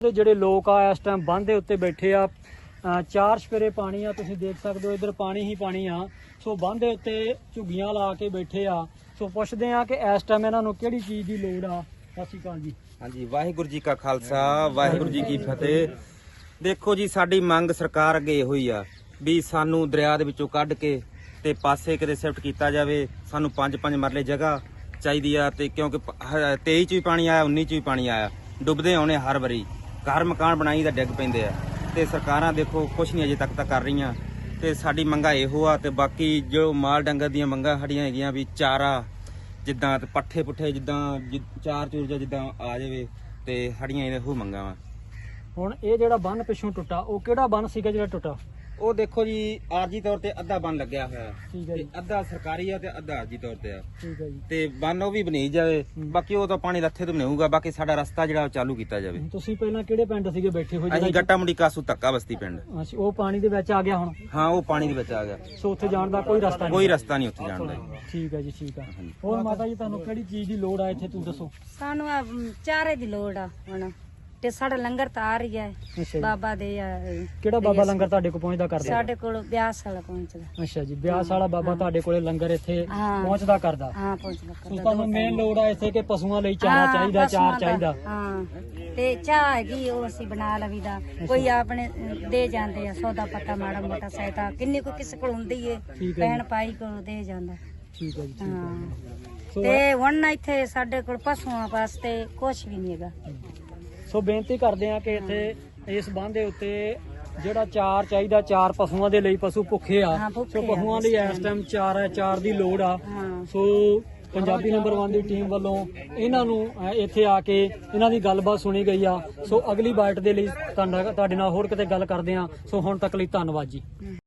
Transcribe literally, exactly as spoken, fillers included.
ਜਿਹੜੇ ਲੋਕ ਆ ਇਸ ਟਾਈਮ ਬੰਦ ਦੇ ਉੱਤੇ ਬੈਠੇ ਆ, ਚਾਰ ਸਪੇਰੇ ਪਾਣੀ ਆ, ਤੁਸੀਂ ਦੇਖ ਸਕਦੇ ਹੋ ਇੱਧਰ ਪਾਣੀ ਹੀ ਪਾਣੀ ਆ। ਸੋ ਬੰਦ ਦੇ ਉੱਤੇ ਝੁੱਗੀਆਂ ਲਾ ਕੇ ਬੈਠੇ ਆ। ਸੋ ਪੁੱਛਦੇ ਆ ਕਿ ਇਸ ਟਾਈਮ ਇਹਨਾਂ ਨੂੰ ਕਿਹੜੀ ਚੀਜ਼ ਦੀ ਲੋੜ ਆ। ਸਤਿ ਸ਼੍ਰੀ ਅਕਾਲ ਜੀ। ਹਾਂਜੀ, ਵਾਹਿਗੁਰੂ ਜੀ ਕਾ ਖਾਲਸਾ ਵਾਹਿਗੁਰੂ ਜੀ ਕੀ ਫਤਿਹ। ਦੇਖੋ ਜੀ, ਸਾਡੀ ਮੰਗ ਸਰਕਾਰ ਅੱਗੇ ਇਹੋ ਹੀ ਆ ਵੀ ਸਾਨੂੰ ਦਰਿਆ ਦੇ ਵਿੱਚੋਂ ਕੱਢ ਕੇ ਤੇ ਪਾਸੇ ਕਿਤੇ ਸ਼ਿਫਟ ਕੀਤਾ ਜਾਵੇ। ਸਾਨੂੰ ਪੰਜ ਪੰਜ ਮਰਲੇ ਜਗ੍ਹਾ ਚਾਹੀਦੀ ਆ, ਤੇ ਕਿਉਂਕਿ ਤੇਈ ਚ ਵੀ ਪਾਣੀ ਆਇਆ, ਉੱਨੀ ਚ ਵੀ ਪਾਣੀ ਆਇਆ, ਡੁੱਬਦੇ ਆਉਣੇ ਹਰ ਵਾਰੀ। ਘਰ ਮਕਾਨ ਬਣਾਈ ਤਾਂ ਡਿੱਗ ਪੈਂਦੇ ਆ, ਤੇ ਸਰਕਾਰਾਂ ਦੇਖੋ ਕੁਛ ਨਹੀਂ ਅਜੇ ਤੱਕ ਤਾਂ ਕਰ ਰਹੀਆਂ। ਤੇ ਸਾਡੀ ਮੰਗਾ ਇਹੋ ਆ, ਤੇ ਬਾਕੀ ਜੋ ਮਾਲ ਡੰਗਰ ਦੀਆਂ ਮੰਗਾਂ ਸਾਡੀਆਂ ਹੈਗੀਆਂ ਵੀ ਚਾਰਾ ਜਿੱਦਾਂ ਤੇ ਪੱਠੇ ਪੁੱਠੇ ਜਿੱਦਾਂ ਚਾਰ ਚੂਰ ਜਿੱਦਾਂ ਆ ਜਾਵੇ, ਤੇ ਸਾਡੀਆਂ ਇਹੋ ਮੰਗਾਂ ਵਾ। ਹੁਣ ਇਹ ਜਿਹੜਾ ਬੰਨ ਪਿੱਛੋਂ ਟੁੱਟਾ, ਉਹ ਕਿਹੜਾ ਬੰਨ ਸੀਗਾ ਜਿਹੜਾ ਟੁੱਟਾ? ਉਹ ਦੇਖੋ ਜੀ, ਆਰਜੀ ਤੌਰ ਤੇ ਅੱਧਾ ਬੰਨ ਲੱਗਿਆ ਹੋਇਆ, ਠੀਕ ਹੈ ਜੀ। ਤੇ ਅੱਧਾ ਸਰਕਾਰੀ ਆ ਤੇ ਅੱਧਾ ਆਰਜੀ ਤੌਰ ਤੇ ਆ। ਠੀਕ ਹੈ ਜੀ। ਤੇ ਬੰਨ ਉਹ ਵੀ ਬਣੀ ਜਾਵੇ, ਬਾਕੀ ਉਹ ਤਾਂ ਪਾਣੀ ਲੱਥੇ ਤੋਂ ਬਣਾਊਗਾ। ਬਾਕੀ ਸਾਡਾ ਰਸਤਾ ਜਿਹੜਾ ਉਹ ਚਾਲੂ ਕੀਤਾ ਜਾਵੇ। ਤੁਸੀਂ ਪਹਿਲਾਂ ਕਿਹੜੇ ਪਿੰਡ ਸੀਗੇ ਬੈਠੇ ਹੋਏ? ਅਸੀਂ ਗੱਟਾ ਮੁੰਡੀ ਕਾਸੂ ਧੱਕਾ ਬਸਤੀ ਪਿੰਡ। ਅੱਛਾ, ਉਹ ਪਾਣੀ ਦੇ ਵਿੱਚ ਆ ਗਿਆ ਹੁਣ? ਹਾਂ, ਉਹ ਪਾਣੀ ਦੇ ਵਿੱਚ ਆ ਗਿਆ। ਸੋ ਉੱਥੇ ਜਾਣ ਦਾ ਕੋਈ ਰਸਤਾ ਨਹੀਂ? ਕੋਈ ਰਸਤਾ ਨਹੀਂ ਉੱਥੇ ਜਾਣ ਦਾ। ਠੀਕ ਹੈ ਜੀ, ਠੀਕ ਆ। ਹੋਰ ਮਾਤਾ ਜੀ, ਤੁਹਾਨੂੰ ਕਿਹੜੀ ਚੀਜ਼ ਦੀ ਲੋੜ ਆ ਇੱਥੇ, ਤੂੰ ਦੱਸੋ। ਸਾਨੂੰ ਆ ਚਾਰੇ ਦੀ ਲੋੜ ਆ ਹੁਣ, ਤੇ ਸਾਡਾ ਲੰਗਰ ਤਾਂ ਆ ਰਹੀ ਹੈ। ਅੱਛਾ ਜੀ। ਬਾਬਾ ਦੇ ਆ, ਕਿਹੜਾ ਬਾਬਾ ਲੰਗਰ ਤੁਹਾਡੇ ਕੋਲ ਪਹੁੰਚਦਾ ਕਰਦਾ? ਸਾਡੇ ਕੋਲ ਬਿਆਸ ਵਾਲਾ ਪਹੁੰਚਦਾ। ਅੱਛਾ ਜੀ, ਬਿਆਸ ਵਾਲਾ ਬਾਬਾ ਤੁਹਾਡੇ ਕੋਲੇ ਲੰਗਰ ਇੱਥੇ ਹਾਂ। ਪਹੁੰਚਦਾ ਕਰਦਾ? ਹਾਂ, ਪਹੁੰਚਦਾ ਸੋ ਕਰਦਾ। ਤੁਹਾਨੂੰ ਮੇਨ ਲੋੜ ਆ ਇੱਥੇ ਕਿ ਪਸ਼ੂਆਂ ਲਈ ਚਾਰਾ ਹਾਂ, ਚਾਹੀਦਾ, ਪਸ਼ੂਆਂ ਚਾਰ ਦਾ, ਚਾਹੀਦਾ। ਹਾਂ। ਤੇ ਚਾਹ ਹੈਗੀ, ਉਹ ਅਸੀਂ ਬਣਾ ਲਵੀਦਾ। ਕੋਈ ਆਪਣੇ ਦੇ ਜਾਂਦੇ ਆ ਸੌਦਾ ਪੱਤਾ, ਮਾੜਾ ਮੋਟਾ ਸਹਾਇਤਾ ਕਿੰਨੀ ਕੋ ਕਿਸੇ ਕੋਲ ਹੁੰਦੀ ਏ, ਠੀਕ ਹੈ ਭੈਣ ਭਾਈ ਕੋਲ ਦੇ ਜਾਂਦਾ। ਠੀਕ ਹੈ ਜੀ, ਠੀਕ ਹਾਂ। ਹੈ। ਸੋ ਤੇ ਹੁਣ ਇੱਥੇ ਸਾਡੇ ਕੋਲ ਪਸ਼ੂਆਂ ਵਾਸਤੇ ਕੁਛ ਵੀ ਨਹੀਂ ਹੈਗਾ। ਸੋ ਬੇਨਤੀ ਕਰਦੇ ਆ ਕਿ ਇੱਥੇ ਇਸ ਬੰਦ ਦੇ ਉੱਤੇ ਜਿਹੜਾ ਚਾਰ ਚਾਹੀਦਾ, ਚਾਰ ਪਸ਼ੂਆਂ ਦੇ ਲਈ, ਪਸ਼ੂ ਭੁੱਖੇ ਆ। ਹਾਂ, ਭੁੱਖੇ ਸੋ ਆ ਪਸ਼ੂਆਂ ਲਈ ਇਸ ਟਾਈਮ ਚਾਰ ਹੈ, ਚਾਰ ਦੀ ਲੋੜ ਆ। ਹਾਂ। ਸੋ ਪੰਜਾਬੀ ਨੰਬਰ ਇੱਕ ਦੀ ਟੀਮ ਵੱਲੋਂ ਇਹਨਾਂ ਨੂੰ ਅ, ਇੱਥੇ ਆ ਕੇ ਇਹਨਾਂ ਦੀ ਗੱਲਬਾਤ ਸੁਣੀ ਗਈ ਆ। ਸੋ ਅਗਲੀ ਬਾਈਟ ਦੇ ਲਈ ਤੁਹਾਡਾ- ਤੁਹਾਡੇ ਨਾਲ ਹੋਰ ਕਿਤੇ ਗੱਲ ਕਰਦੇ ਆ। ਸੋ ਹੁਣ ਤੱਕ ਲਈ ਧੰਨਵਾਦ ਜੀ।